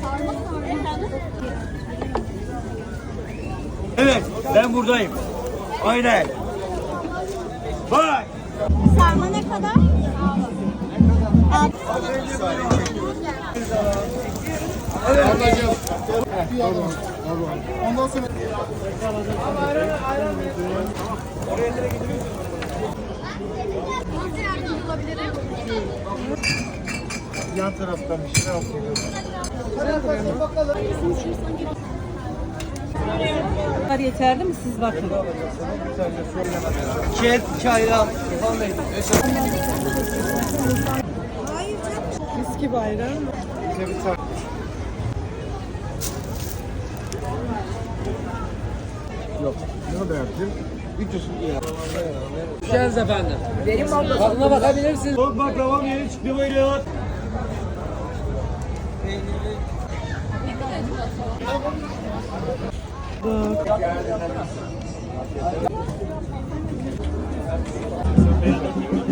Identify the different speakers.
Speaker 1: Evet, ben buradayım. Aynen. Bye.
Speaker 2: Sarma ne kadar?
Speaker 3: Ablacığım. Ondan sonra
Speaker 2: Nasıl yardımcı olabilirim?
Speaker 3: yan taraftan bir şeyler alıyorum.
Speaker 4: Bunlar yeterli mi siz bakın?
Speaker 1: Çet, çayla.
Speaker 4: Viski bayrağı mı?
Speaker 3: Bize bir tane. Yok. Ne kadar yaptın? 300 lira.
Speaker 5: Geldiniz efendim. Tadına bakabilirsiniz.
Speaker 1: Soğuk baklavam yeni çıktı buyurun.
Speaker 4: Bak.